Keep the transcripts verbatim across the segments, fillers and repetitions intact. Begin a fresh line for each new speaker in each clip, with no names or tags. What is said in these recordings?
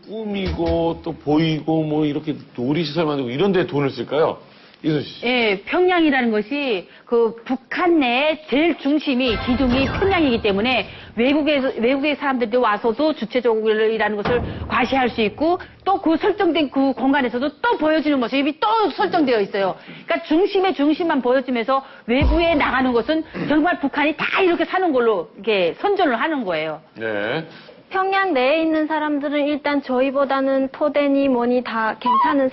꾸미고 또 보이고 뭐 이렇게 놀이시설 만들고 이런 데 돈을 쓸까요? 이순 씨.
예, 평양이라는 것이 그 북한 내 제일 중심이 기둥이 평양이기 때문에 외국에서 외국의 사람들이 와서도 주체적이라는 것을 과시할 수 있고 또 그 설정된 그 공간에서도 또 보여주는 모습이 또 설정되어 있어요. 그러니까 중심의 중심만 보여주면서 외부에 나가는 것은 정말 북한이 다 이렇게 사는 걸로 이렇게 선전을 하는 거예요.
네.
평양 내에 있는 사람들은 일단 저희보다는 토대니 뭐니 다 괜찮은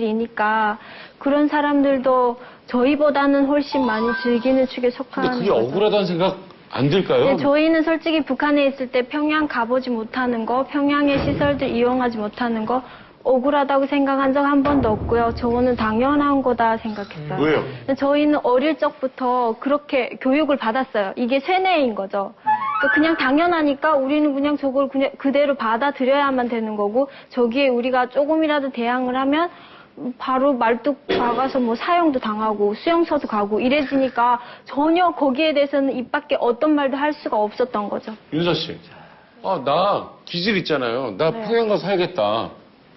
사람들이니까 그런 사람들도 저희보다는 훨씬 많이 즐기는 축에
근데
속하는
그게
거죠.
억울하다는 생각 안 들까요?
네, 저희는 솔직히 북한에 있을 때 평양 가보지 못하는 거, 평양의 시설들 이용하지 못하는 거 억울하다고 생각한 적 한 번도 없고요. 저거는 당연한 거다 생각했어요.
왜요?
저희는 어릴 적부터 그렇게 교육을 받았어요. 이게 세뇌인 거죠. 그러니까 그냥 당연하니까 우리는 그냥 저걸 그냥 그대로 받아들여야만 되는 거고 저기에 우리가 조금이라도 대항을 하면 바로 말뚝 박아서 뭐 사형도 당하고 수용소도 가고 이래지니까 전혀 거기에 대해서는 입 밖에 어떤 말도 할 수가 없었던 거죠.
윤서 씨. 아, 나 기질 있잖아요. 나
네.
평양 가서 살겠다.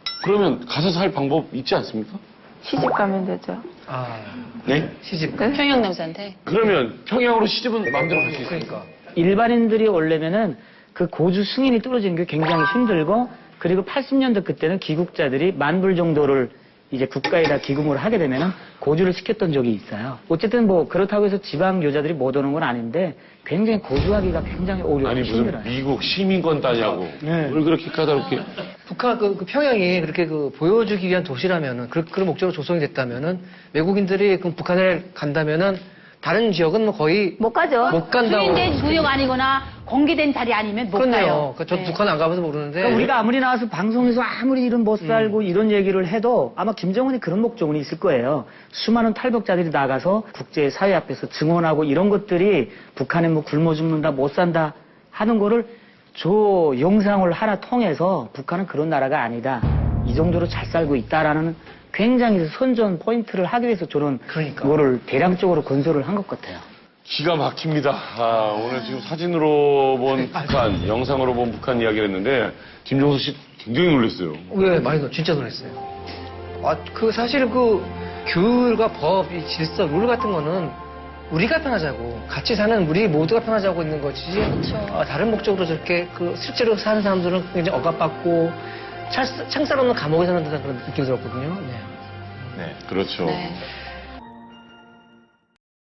그러면 가서 살 방법 있지 않습니까?
시집 가면 되죠.
아,
네?
시집.
평양 남자한테.
그러면 평양으로 시집은 마음대로 갈 수 있으니까.
그러니까.
일반인들이 오려면은 그 고주 승인이 떨어지는 게 굉장히 힘들고 그리고 팔십 년대 그때는 귀국자들이 만 불 정도를 이제 국가에다 기금을 하게 되면은 고주를 시켰던 적이 있어요. 어쨌든 뭐 그렇다고 해서 지방 여자들이 못 오는 건 아닌데 굉장히 고주하기가 굉장히 어려워
아니 무슨
힘들어요.
미국 시민권 따냐고.
네.
뭘 그렇게 까다롭게.
북한 그, 그 평양이 그렇게 그 보여주기 위한 도시라면은 그, 그런 목적으로 조성이 됐다면은 외국인들이 그 북한에 간다면은 다른 지역은 뭐 거의
못 가죠.
못 간다고.
수인된 구역 아니거나 공개된 자리 아니면 못 가요.
그렇네요. 그러니까 저도
네.
북한 안 가봐서 모르는데.
그러니까 우리가 아무리 나와서 방송에서 아무리 이런 못 살고 이런 얘기를 해도 아마 김정은이 그런 목적은 있을 거예요. 수많은 탈북자들이 나가서 국제사회 앞에서 증언하고 이런 것들이 북한에 뭐 굶어 죽는다 못 산다 하는 거를 저 영상을 하나 통해서 북한은 그런 나라가 아니다. 이 정도로 잘 살고 있다라는 굉장히 선전 포인트를 하기 위해서 저는
그러니까.
그거를 대량적으로 건설을 한 것 같아요.
기가 막힙니다. 아, 오늘 지금 사진으로 본 북한, 영상으로 본 북한 이야기를 했는데 김종수 씨 굉장히 놀랐어요.
왜 많이 놀- 진짜 놀랐어요. 아, 그 사실 그 규율과 법, 이 질서, 룰 같은 거는 우리가 편하자고 같이 사는 우리 모두가 편하자고 있는 거지. 아, 다른 목적으로 저렇게 그 실제로 사는 사람들은 굉장히 억압받고 창살 없는 감옥에 사는 듯한 그런 느낌이 들었거든요. 네.
네, 그렇죠.
네.